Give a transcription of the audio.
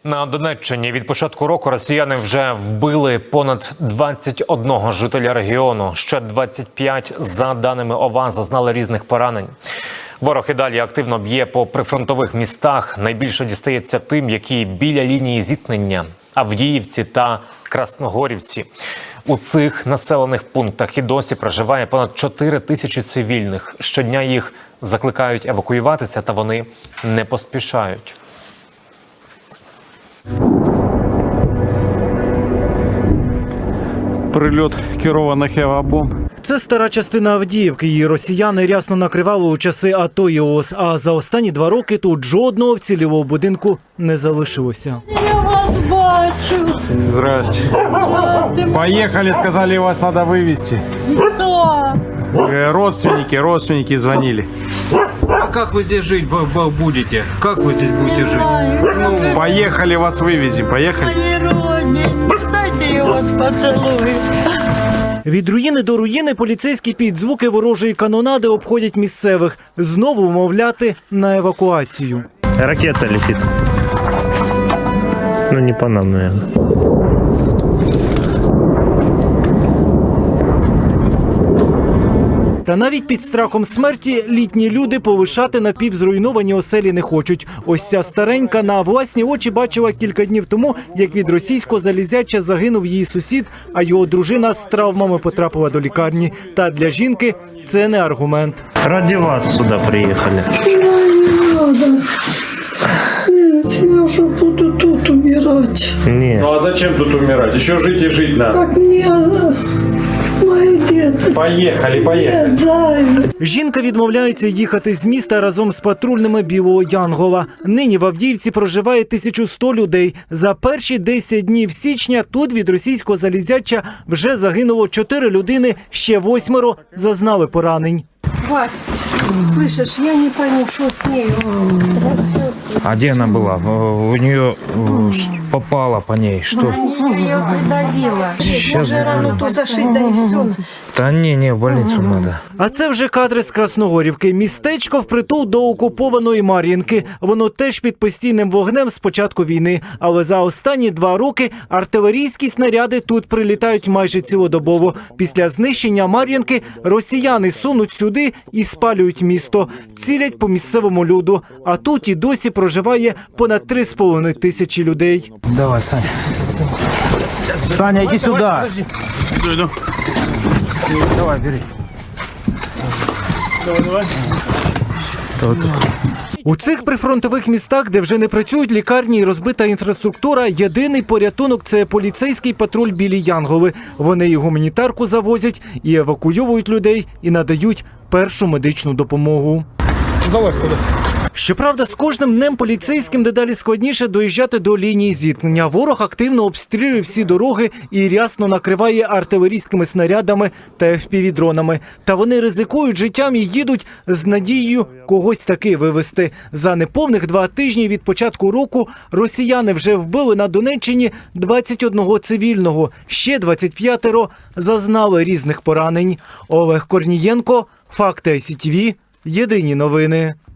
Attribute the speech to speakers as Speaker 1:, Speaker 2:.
Speaker 1: На Донеччині від початку року росіяни вже вбили понад 21 жителя регіону. Ще 25, за даними ОВА, зазнали різних поранень. Ворог і далі активно б'є по прифронтових містах. Найбільше дістається тим, які біля лінії зіткнення – Авдіївці та Красногорівці. У цих населених пунктах і досі проживає понад 4 тисячі цивільних. Щодня їх закликають евакуюватися, та вони не поспішають.
Speaker 2: Прильот керованих авіабомб.
Speaker 3: Це стара частина Авдіївки. Її росіяни рясно накривали у часи АТО і ООС. А за останні 2 роки тут жодного вцілілого будинку не залишилося.
Speaker 4: Я вас бачу.
Speaker 2: Здрасте. Поехали, сказали, вас надо вывести.
Speaker 4: Кто?
Speaker 2: Родственники звонили.
Speaker 5: А как вы здесь жить будете? Как вы здесь будете жить?
Speaker 2: Поехали, вас вывезем, поехали.
Speaker 4: Мои родненькие, дайте я вас поцелую.
Speaker 3: Від руїни до руїни поліцейські під звуки ворожої канонади обходять місцевих. Знову вмовляти на евакуацію.
Speaker 6: Ракета летит. Ну, не по нам, наверное.
Speaker 3: Та навіть під страхом смерті літні люди повишати напівзруйновані оселі не хочуть. Ось ця старенька на власні очі бачила кілька днів тому, як від російського залізяча загинув її сусід, а його дружина з травмами потрапила до лікарні. Та для жінки це не аргумент.
Speaker 6: Ради вас сюда приехали.
Speaker 7: Не надо. Нет, я уже буду тут умирать.
Speaker 6: Нет.
Speaker 2: Ну а зачем тут умирать? Еще жить и жить надо.
Speaker 7: Так мне мои дети.
Speaker 2: Поехали.
Speaker 7: Нет, зай.
Speaker 3: Жінка відмовляється їхати з міста разом з патрульними Білого Янгола. Нині в Авдіївці проживає 1100 людей. За перші 10 днів січня тут від російського залізяча вже загинуло 4 людини, ще 8 зазнали поранень.
Speaker 8: Вась, слышишь, я не пойму, что с ней.
Speaker 5: А где она была? У нее попало по ней. Что?
Speaker 4: Ее придавило.
Speaker 5: Сейчас.
Speaker 8: Можно рану то зашить, да и все.
Speaker 5: Да не, в больницу надо.
Speaker 3: А це вже кадри з Красногорівки. Містечко впритул до окупованої Мар'їнки. Воно теж під постійним вогнем з початку війни. Але за останні 2 роки артилерійські снаряди тут прилітають майже цілодобово. Після знищення Мар'їнки росіяни сунуть сюди і спалюють місто. Цілять по місцевому люду. А тут і досі проживає понад 3,5 тисячі людей.
Speaker 5: Давай, Саня. Саня, иди сюда. Иду. Давай, бери. Давай.
Speaker 3: У цих прифронтових містах, де вже не працюють лікарні і розбита інфраструктура, єдиний порятунок – це поліцейський патруль «Білі Янголи». Вони і гуманітарку завозять, і евакуюють людей, і надають першу медичну допомогу.
Speaker 2: Залазь туда.
Speaker 3: Щоправда, з кожним днем поліцейським дедалі складніше доїжджати до лінії зіткнення. Ворог активно обстрілює всі дороги і рясно накриває артилерійськими снарядами та FPV-дронами. Та вони ризикують життям і їдуть з надією когось таки вивезти. За неповних 2 тижні від початку року росіяни вже вбили на Донеччині 21 цивільного. Ще 25 зазнали різних поранень. Олег Корнієнко, Факти ICTV, Єдині новини.